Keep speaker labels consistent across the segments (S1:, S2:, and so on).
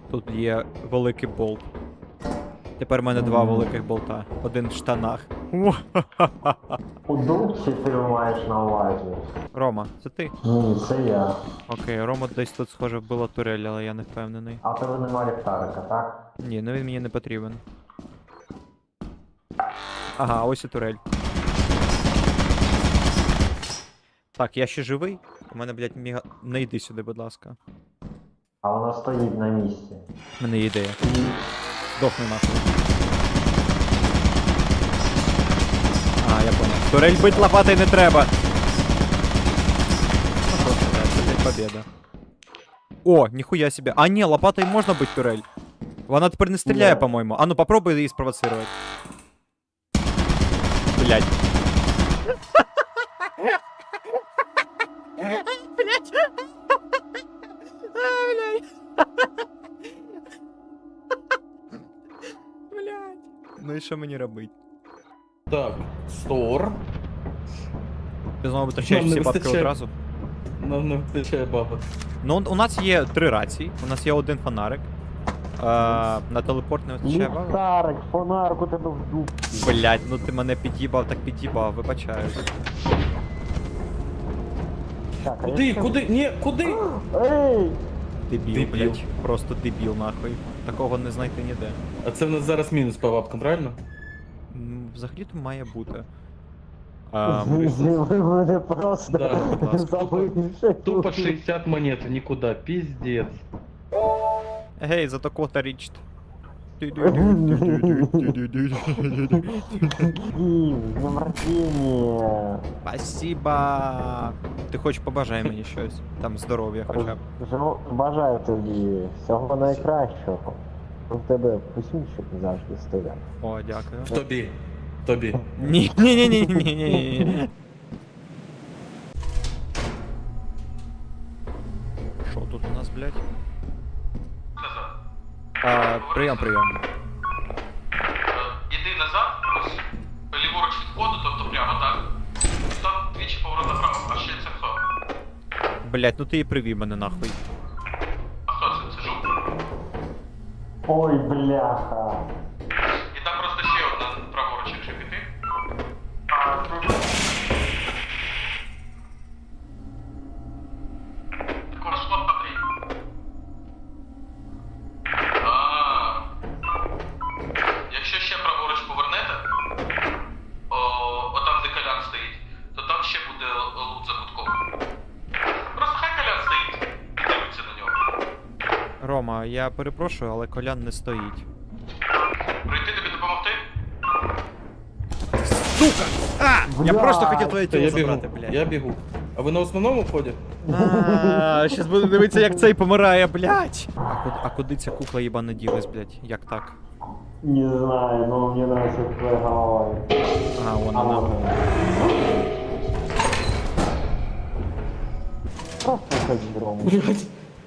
S1: Тут є великий болт. Тепер в мене два великих болта. Один в штанах.
S2: У дубці ти маєш на увазі?
S1: Рома, це ти?
S2: Ні, це я.
S1: Окей, Рома десь тут схоже вбила турель, але я не впевнений.
S2: А в тебе нема ліхтарика, так?
S1: Ні, ну він мені не потрібен. Ага, ось і турель. Так, я ще живий? У мене, блядь, міга... Не йди сюди, будь ласка.
S2: А вона стоїть на місці.
S1: У мене є ідея. Дохни нахуй. А, я понял. Турель бить лопатой не треба. Ну що ж, це, блядь, победа. О, ніхуя себе. А, ні, лопатой можна бить турель. Вона тепер не стріляє,
S2: Ні.
S1: по-моєму. А ну попробуй її спровоцировать. Блядь. Блядь. Блядь. Ну і що мені робити?
S3: Так, стор.
S1: Ти знову витрачаєш
S3: Нам не
S1: всі бабки
S3: вистачає.
S1: одразу?
S3: Нам не вистачає бабок.
S1: Ну, у нас є 3 рації, у нас є один фонарик. На телепорт не вистачає бабок?
S2: Ліхтарик, фонарик у тебе в дубці.
S1: Блять, ну ти мене під'їбав, так під'їбав, вибачаюсь.
S2: Так, а
S3: Куди,
S2: якщо-
S3: куди? Ні, куди?
S2: Ей!
S1: Дебіл,
S3: Дебіл.
S1: блять. Просто дебіл, нахуй. Такого не знайти ніде.
S3: А це в нас зараз мінус по бабкам, правильно?
S1: Взагалі-то має бути.
S2: Ви мене просто
S3: Да,
S1: будь ласка.
S2: забивши.
S3: Тупо 60 монет, нікуди, піздець.
S1: Гей, зато кота річт.
S2: З днем рождения!
S1: Спасибо. Ти хоч побажай мені щось. Там здоров'я хоча б.
S2: Бажаю тобі всього найкращого. У тебе посінчик завжди стоять.
S1: О, дякую.
S3: Тобі. Тобі.
S1: Ні, ні, ні, ні, ні, ні. Що тут у нас, блядь? Прийом, прийом.
S4: Іди назад, ось ліворуч від входу, тобто прямо так. Там двічі поворот направо, а ще це хто?
S1: Блядь, ну ти і привів мене нахуй.
S4: А хто це? Це жук.
S2: Ой, бляха.
S4: І там просто ще одна праворуч, якщо піти. Також слот Андрій. Якщо ще праворуч повернете, отам де Колян стоїть, то там ще буде лут за кутком. Просто хай Колян стоїть і дивиться на нього.
S1: Рома, я перепрошую, але Колян не стоїть.
S4: Прийти тобі допомогти?
S1: Сука! Я
S2: Блядь.
S1: просто хотів твоє
S3: Та
S1: тіло
S3: я бігу,
S1: забрати, блядь.
S3: я бігу. А ви на основному вході?
S1: Щас будемо дивитися, як цей помирає, блядь. А куди ця кукла їбана ділась, блядь? Як так?
S2: Не знаю, но мне нравится твоя голова.
S1: А, вон
S2: А
S1: вона.
S2: вот она. Просто уходи, Рома.
S3: Блять.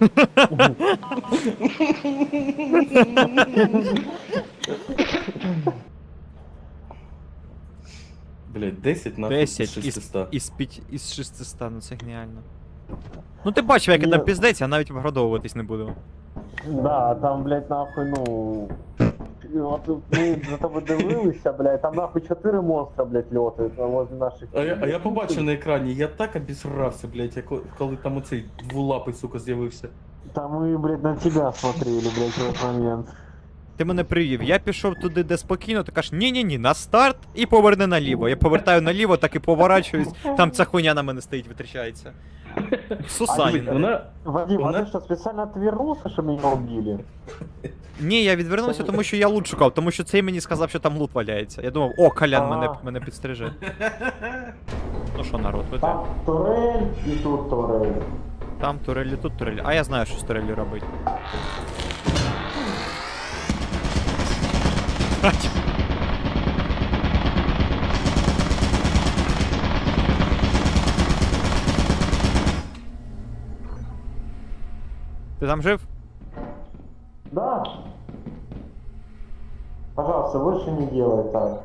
S3: Блять, 10 на
S1: 10
S3: 600.
S1: із 600, ну це геніально. Ну ти бачив, як я там
S2: Ні.
S1: піздець, я навіть виградовуватись не буду.
S2: Да, там, блядь, нахуй, ну... От ми за тобою дивилися, блядь, там нахуй 4 монстра, блядь, льотають возле наших...
S3: А я побачив на екрані, я так обісрався, блять, коли там оцей двулапий, сука, з'явився.
S2: Там мы, блядь, на тебя смотрели, блядь, в этот момент.
S1: Ти мене привів, я пішов туди, де спокійно, ти кажеш, ні-ні-ні, на старт і поверни наліво. Я повертаю наліво, так і поворачуюсь, там ця хуйня на мене стоїть, витрачається. Сусанін.
S3: Вона...
S2: Вадим,
S3: Она-
S2: а ты что, специально отвернулся, чтобы меня убили?
S1: Ні, я відвернувся, тому що я лут шукав, тому що цей мені сказав, що там лут валяється. Я думав, о, Колян мене підстриже. Ну що, народ, ви
S2: Там турель и тут турель.
S1: Там турелі, тут турелі. А я знаю, що з турелі робити. Ать. Ти там жив?
S2: Да. Пожалуйста, больше не делай так.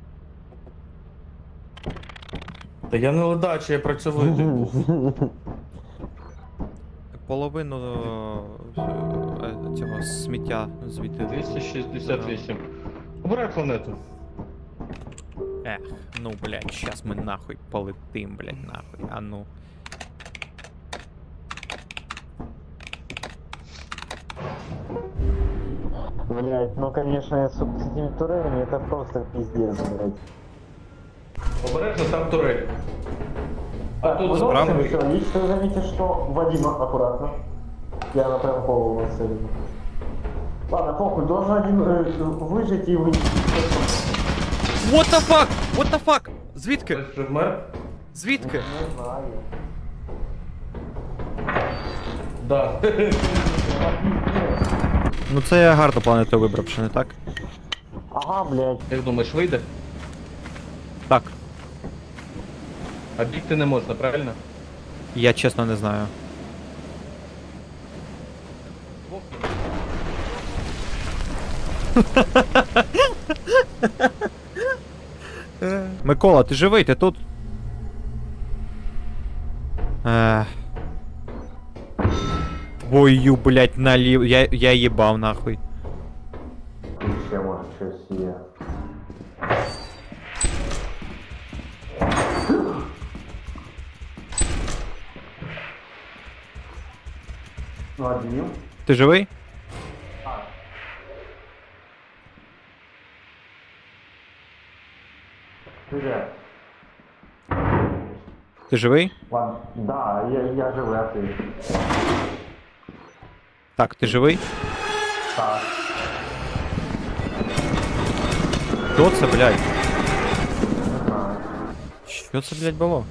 S3: Та я не ледачий, я працьовитий був.
S1: Половину цього сміття звідти.
S3: 268. Обирай планету.
S1: Ех, ну, блядь, щас ми нахуй полетим, блядь, нахуй, а ну.
S2: Блять, ну конечно, сука, с этими турелями это просто пиздец, блять.
S3: Обережно, там турель. А тут
S1: справа.
S3: справа.
S2: Все, если вы заметите, что Вадим аккуратно. Я на прям голову нацелен. Ладно, похуй, должен один выжить и выйти.
S1: What the fuck? What the fuck? Звідки?
S3: Хтось вже вмер?
S1: Звідки?
S2: Не знаю.
S3: Да.
S1: Ну це я гарну планету вибрав, чи не так?
S2: Ага, блять.
S3: Як думаєш, вийде?
S1: Так,
S3: А бігти не можна, правильно?
S1: я чесно не знаю. Микола, ти живий, ти тут? Твою, блять, налів. Я їбав нахуй.
S2: Еще может что себе. Вадим.
S1: Ти живий?
S2: Привет.
S1: Ти живий?
S2: Ладно. Да, я живой, а ты?
S1: Так, ти живий?
S2: Так.
S1: Що це, блядь?
S2: Не знаю.
S1: Що це, блядь, було?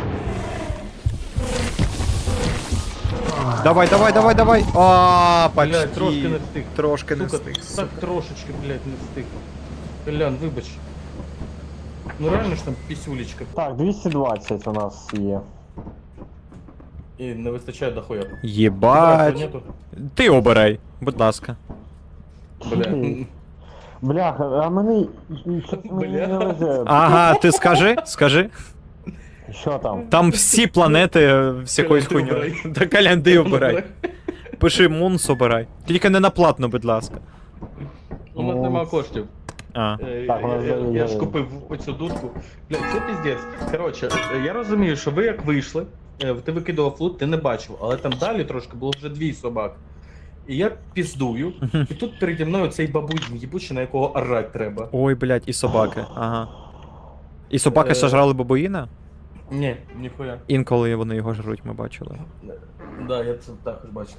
S1: Давай, давай, давай, давай! А, почти.
S3: Блядь, трошки не встиг.
S1: Трошки не
S3: Сука,
S1: встиг.
S3: так трошечки, блядь, не встиг. Колян, вибач. Ну реально ж там пісюлечка.
S2: Так, 220 у нас є.
S3: І не вистачає дохуя. Обирай
S1: Єбать.
S3: планету.
S1: Ти обирай, будь ласка.
S3: Бля.
S2: Бляха, а мені
S3: Бля.
S2: не везе.
S1: Ага, ти скажи.
S2: Що там?
S1: Там всі планети з якоюсь
S3: Колян, ти
S1: хуйньою.
S3: обирай.
S1: Та калянди обирай. Пиши Мунс обирай. Тільки не на платно, будь ласка.
S3: У нас нема коштів.
S1: А.
S2: Так, у нас
S3: Я ж
S2: є.
S3: купив оцю дудку. Бля, це піздець. Коротше, я розумію, що ви як вийшли, ти викидував лут, ти не бачив, але там далі трошки було вже 2 собак. І я піздую, і тут переді мною цей бабуй їбучий, на якого орать треба.
S1: Ой, блядь, і собаки. Ага. І собаки сожрали бабуїна?
S3: Ні, ніхуя.
S1: Інколи вони його жруть, ми бачили.
S3: Да, я це також бачив.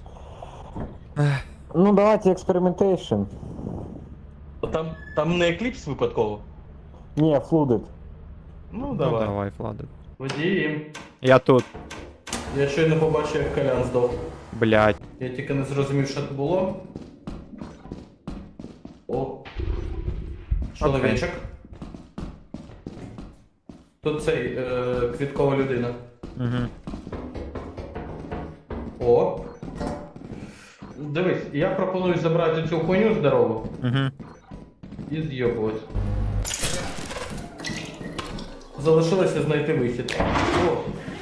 S2: Ну давайте експериментейшн.
S3: Там не екліпс випадково?
S2: Не, флудит.
S3: Ну,
S1: Ну,
S3: давай.
S1: давай, Влади.
S3: Водієм.
S1: Я тут.
S3: Я щойно побачив, як Колян здох.
S1: Блядь.
S3: Я тільки не зрозумів, що це було. О. Чоловічок. Тут цей квіткова людина.
S1: Угу.
S3: О. Дивись, я пропоную забрати цю хуйню здорову
S1: Угу.
S3: і з'єбувати. Залишилося знайти вихід. О.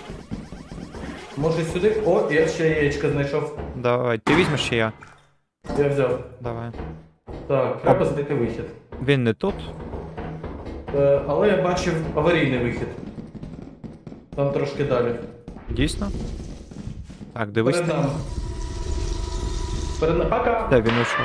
S3: Може сюди? О, я ще яєчко знайшов.
S1: Давай. Ти візьмеш чи я?
S3: Я взяв.
S1: Давай.
S3: Так, треба знайти вихід.
S1: Він не тут.
S3: Але я бачив аварійний вихід. Там трошки далі.
S1: Дійсно? Так, дивись.
S3: Перед нами. Перед нами. Пока!
S1: Де він ушов?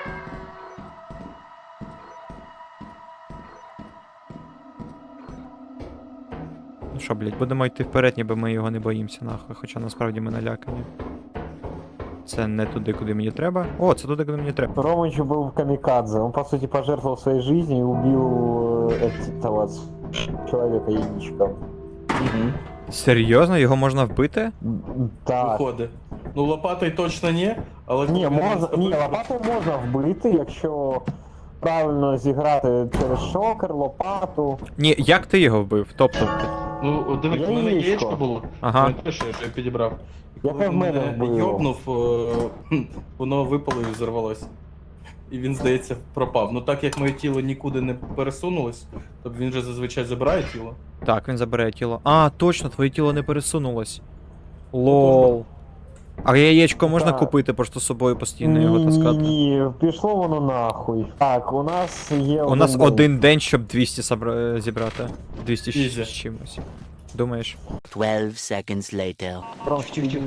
S1: Ну що, блядь, будемо йти вперед, ніби ми його не боїмося, нахуй, хоча насправді ми налякані. Це не туди, куди мені треба. О, це туди, куди мені треба.
S2: Ромыч был камикадзе. Он, по сути, пожертвовал своей жизнью и убил этого человека-яичка.
S3: Угу.
S1: Серйозно, його можна вбити?
S2: Так.
S3: Виходить. Ну лопатой точно ні, але...
S2: Ні,
S3: коли він
S2: можна,
S3: з тобою-
S2: ні, лопату можна вбити, якщо правильно зіграти через шокер, лопату.
S1: Ні, як ти його вбив? Тобто.
S3: Ну, от дивись, у мене
S2: Яєчко.
S3: яєчко було.
S1: Ага.
S3: Не те, що я підібрав. І
S2: Яке
S3: коли
S2: в мене
S3: мене
S2: було.
S3: йобнув, воно випало і взорвалося. І він, здається, пропав. Ну так як моє тіло нікуди не пересунулось, то він же зазвичай забирає тіло.
S1: Так, він забере тіло. А, точно, твоє тіло не пересунулось. Лол. А яєчко можна
S2: Так.
S1: купити, просто з собою постійно його таскати?
S2: Ні, пішло воно нахуй. Так, у нас є
S1: У нас
S2: день.
S1: один день, щоб 200 зібрати. 200
S3: Ізі.
S1: з чимось. Думаєш?
S5: 12 seconds later.
S2: Прям чуть-чуть.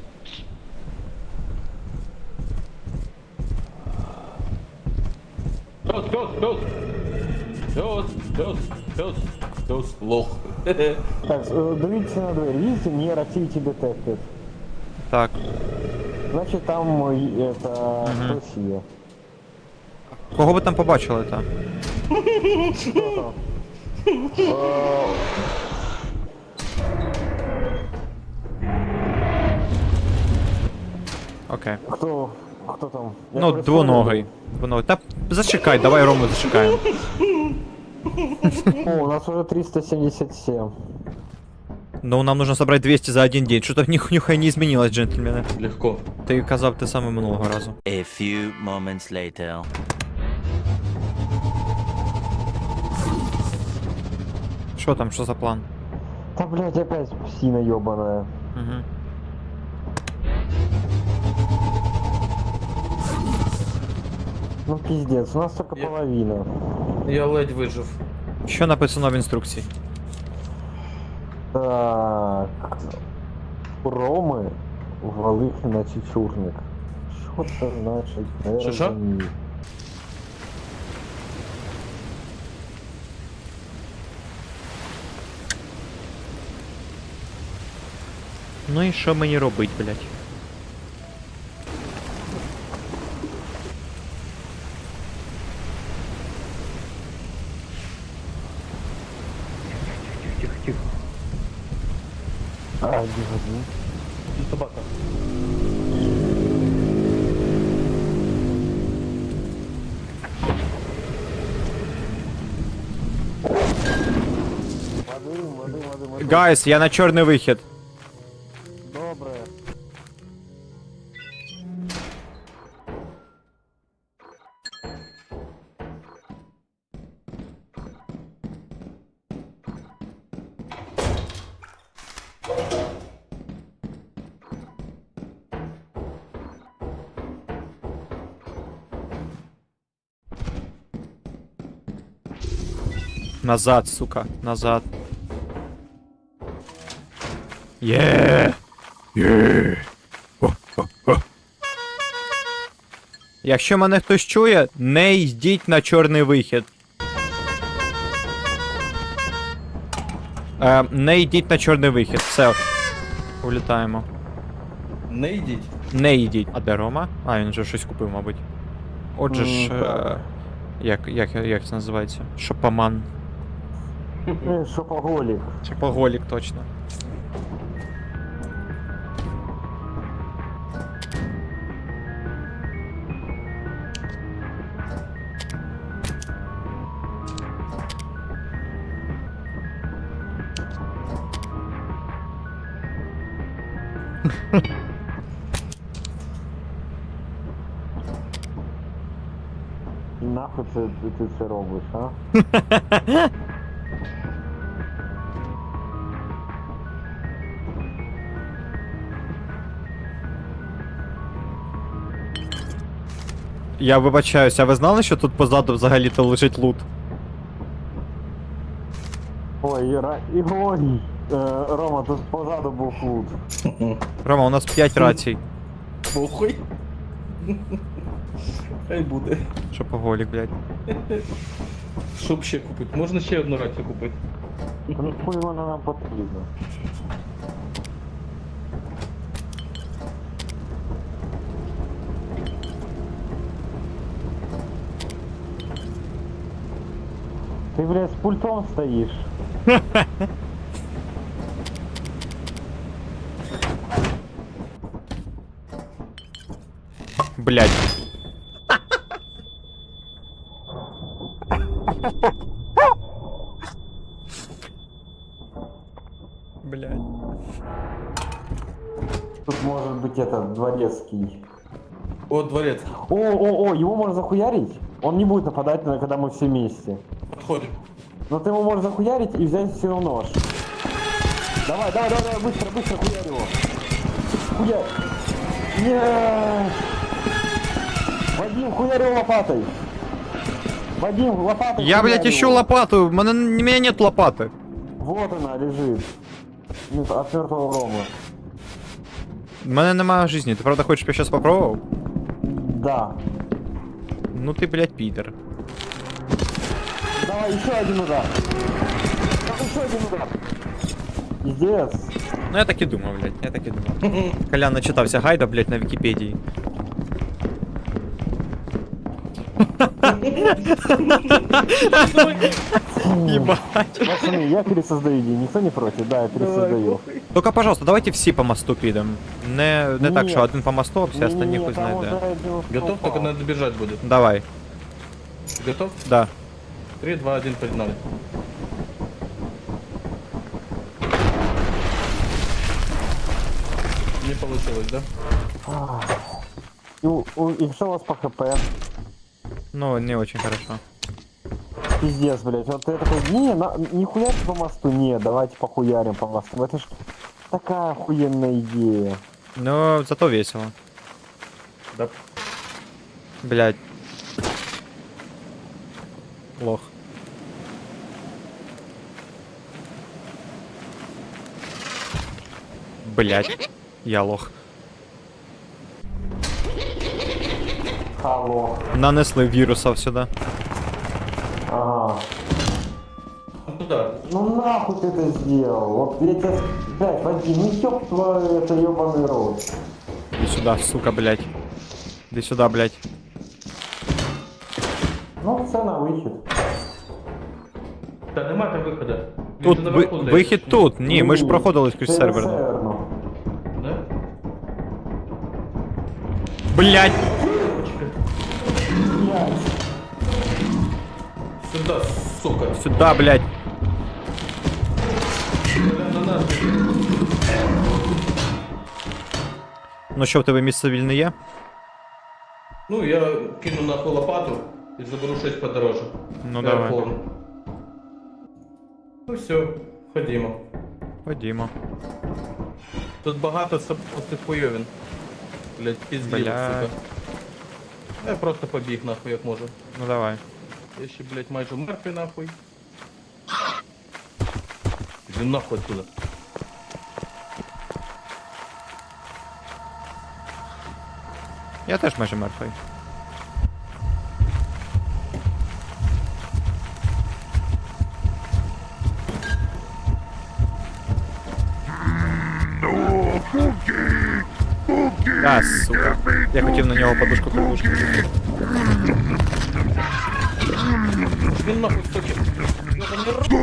S3: Пес, лох.
S2: Так, дивіться на двері. Видите, не Activity Detected.
S1: Так.
S2: Значить там это хтось є.
S1: Кого ви там побачили, та?
S2: Хто там?
S1: Окей.
S2: Хто там? Я
S1: Ну,
S2: перестав
S1: двуногий. Двуногий. Та зачекай, давай Рому зачекаємо.
S2: О, у нас уже 377.
S1: Ну, нам нужно собрать 200 за один день. Что-то нихуя не изменилось, джентльмены.
S3: Легко.
S1: Ти казав те саме минулого разу.
S5: A few moments later.
S1: Що там, що за план?
S2: Та, блядь, опять псина ёбаная.
S1: Угу.
S2: Ну, пиздец, у нас только
S3: Я-
S2: половина.
S3: Я ледь вижив.
S1: Що написано в інструкції?
S2: Так. У Роми валити на чечурник. Що це значить? Не
S3: Що?
S2: розумію.
S1: Ну і що мені робить, блядь?
S2: А, дивно.
S3: Собака.
S2: Води.
S1: Гайс, я на чорний вихід.
S2: Добре.
S1: Назад, сука, назад. Є! Є! Якщо мене хтось чує, не йдіть на чорний вихід. Не йдіть на чорний вихід. Все. Улітаємо.
S3: Не йдіть.
S1: Не йдіть. А де Рома? А, він вже щось купив, мабуть. Отже ж.
S2: Так.
S1: Як це називається? Шопоман.
S2: Шопоголік.
S1: Шопоголік, точно.
S2: І нахуй ти це робиш, а?
S1: Я вибачаюсь, а ви знали, що тут позаду взагалі-то лежить лут?
S2: Ой, ой, Рома, тут позаду був лут.
S1: Рома, у нас 5 рацій.
S3: Похуй. Хай буде.
S1: Шопоголік, блядь.
S3: Щоб ще купити. Можна ще одну рацію купити.
S2: Ну хуй вона нам потрібна. Ти, блядь, з пультом стоїш.
S1: Блядь. Блядь.
S2: Тут может быть этот дворецкий.
S3: О, дворец.
S2: О, его можно захуярить? Он не будет нападать, когда мы все вместе.
S3: Подходим.
S2: Но ты его можешь захуярить и взять все равно нож. Давай, быстро, хуярь его. Хуярь. Нет! Вадим, хуярил лопатой! Вадим, лопатой
S1: Я, блядь,
S2: хуярил.
S1: ищу лопату, у меня нет лопаты.
S2: Вот она лежит. Нет, от мертвого Рома.
S1: У мене немає жизни, ти правда хочеш, щоб я щас попробував?
S2: Да.
S1: Ну ти, блядь, підер.
S2: Давай, еще один удар. Еще один удар. Пиздец.
S1: Ну я так і думав, блядь, я так і думав. Колян начитався гайда, блядь, на Вікіпедії. Ебать.
S2: Пацаны, я пересоздаю день. Никто не против? Да, я пересоздаю.
S1: Только, пожалуйста, давайте всі по мосту підемо. Не так,
S2: Ні.
S1: що один по мосту, а всі остальні хуй знає де.
S3: Готов, только надо бежать будет.
S1: Давай,
S3: Готов?
S1: да.
S3: 3, 2, 1, погнали. Не получилось, да?
S2: И что у вас по ХП?
S1: Ну, не очень хорошо.
S2: Пиздец, блядь. Вот я такой, не хуярьте по мосту, не, давайте похуярим по мосту. Это ж такая охуенная идея.
S1: Ну, зато весело.
S3: Да.
S1: Блядь. Лох. Блядь. Я лох.
S2: Алло.
S1: Нанесли вірусов сюди.
S2: Ага.
S3: Ну туда.
S2: Ну нахуй ты это сделал? Вот я тебя... Блядь, Вадим, ну ёб твой, это ёбаный рот.
S1: Иди сюда, сука, блядь. Иди сюда, блядь.
S2: Ну, все на выход.
S3: Та нема там виходу. Він
S1: Тут
S3: же наверху, здається.
S1: вихід тут. Ні, ми ж проходили скрізь сервер.
S2: Серверно.
S3: Да?
S1: Блядь.
S3: Сюда, сука.
S1: Сюда, блядь.
S3: На нас.
S1: Ну що, в тебе місце вільне є?
S3: Ну, я кину нахуй лопату і заберу щось подороже.
S1: Ну давай.
S3: Форму. Ну все, ходімо.
S1: Ходімо.
S3: Тут багато цих хуйовин. Блять, пізділо,
S1: Блядь.
S3: сука. Я просто побіг нахуй, як можу.
S1: Ну давай.
S3: Я ще, блять, майже мертвий нахуй. Іди нахуй отсюда.
S1: Я теж майже мертвий. А, сука. Я хотів на нього подушку подушку.
S3: Він нахуй, суки. Йобаний рот.